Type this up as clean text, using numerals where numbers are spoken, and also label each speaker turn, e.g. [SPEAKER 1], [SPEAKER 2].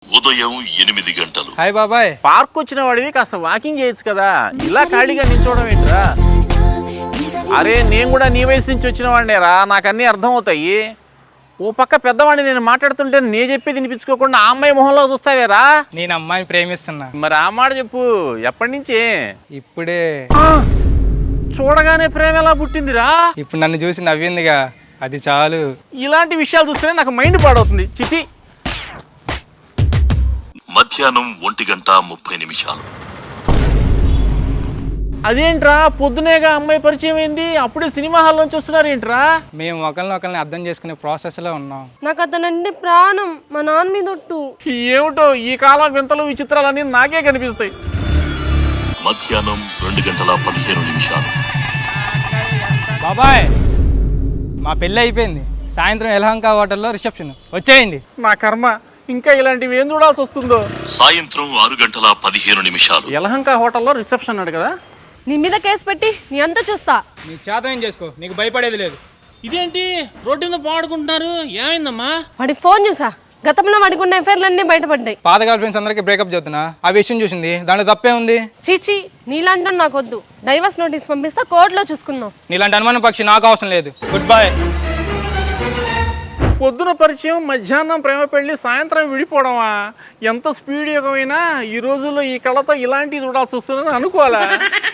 [SPEAKER 1] ఉదయం 8 గంటలు.
[SPEAKER 2] హాయ్ బాబాయ్.
[SPEAKER 3] పార్క్ వచ్చిన వాడివి కాస్త వాకింగ్ చేయొచ్చు కదా, ఇలా ఖాళీగా నిల్చోవడం ఏంట్రా? అరే నేను కూడా నీ వయసు నుంచి వచ్చిన వాడినేరా, నాకు అన్నీ అర్థం అవుతాయి. ఓ పక్క పెద్దవాడిని నేను మాట్లాడుతుంటే నే చెప్పేది వినిపించుకోకుండా ఆ అమ్మాయి మొహంలో చూస్తావేరా?
[SPEAKER 2] నేను అమ్మాయిని ప్రేమిస్తున్నా.
[SPEAKER 3] మరి ఆ మాట చెప్పు, ఎప్పటి నుంచి?
[SPEAKER 2] ఇప్పుడే.
[SPEAKER 3] చూడగానే ప్రేమ ఎలా పుట్టిందిరా?
[SPEAKER 2] ఇప్పుడు నన్ను చూసి నవ్విందిగా, అది చాలు.
[SPEAKER 3] ఇలాంటి విషయాలు చూస్తేనే నాకు మైండ్ పాడవుతుంది. చిచి.
[SPEAKER 1] మధ్యాహ్నం 1:30.
[SPEAKER 3] అదేంట్రా పొద్దునేగా అమ్మాయి పరిచయం అయింది, అప్పుడే సినిమా హాల్ నుంచి వస్తున్నారు ఏంట్రా?
[SPEAKER 2] మేము ఒకరిని అర్థం చేసుకునే ప్రాసెస్లో ఉన్నాం.
[SPEAKER 4] నాకు అతనంటే ప్రాణం, మా నాన్న మీద ఒట్టు.
[SPEAKER 3] ఏమిటో ఈ కాలం వింతలు విచిత్రాలన్నీ నాకే కనిపిస్తాయి.
[SPEAKER 1] మధ్యాహ్నం 2:15.
[SPEAKER 2] బాబాయ్, మా పెళ్ళి అయిపోయింది. సాయంత్రం యలహంక హోటల్లో రిసెప్షన్, వచ్చేయండి.
[SPEAKER 3] నా కర్మ, ఇంకా ఇలాంటివి ఏం చూడాల్సి వస్తుందో.
[SPEAKER 1] సాయంత్రం 6:15.
[SPEAKER 3] యలహంక హోటల్లో రిసెప్షన్ అన్నాడు కదా.
[SPEAKER 4] నీ మీద కేసు పెట్టి నీ అంతా చూస్తా.
[SPEAKER 2] నీ చేతనం చేసుకో, నీకు భయపడేది లేదు.
[SPEAKER 3] ఇదేంటి రోడ్డు మీద పాడుకుంటున్నారు, ఏమైందమ్మా?
[SPEAKER 4] వాడి ఫోన్ చూసా, గతంలో వాడికి ఉన్న ఎఫైర్లన్నీ బయటపడ్డాయి.
[SPEAKER 2] పాత గర్ల్ ఫ్రెండ్స్ అందరికీ బ్రేకప్ చెప్తున్నా, ఆ విషయం చూసింది, దాంట్లో తప్పే ఉంది.
[SPEAKER 4] చీచి, నీలాంటి నాకు వద్దు. డైవర్స్ నోటీస్ పంపిస్తా, కోర్టులో చూసుకుందాం.
[SPEAKER 2] నీలాంటి అనుమానం పక్షి నాకు అవసరం లేదు. Good bye.
[SPEAKER 3] పొద్దున పరిచయం, మధ్యాహ్నం ప్రేమ పెళ్లి, సాయంత్రం విడిపోవడమా? ఎంత స్పీడ్ యుగమైనా ఈ రోజుల్లో ఈ కళతో ఇలాంటివి చూడాల్సి వస్తుందని అనుకోవాలా?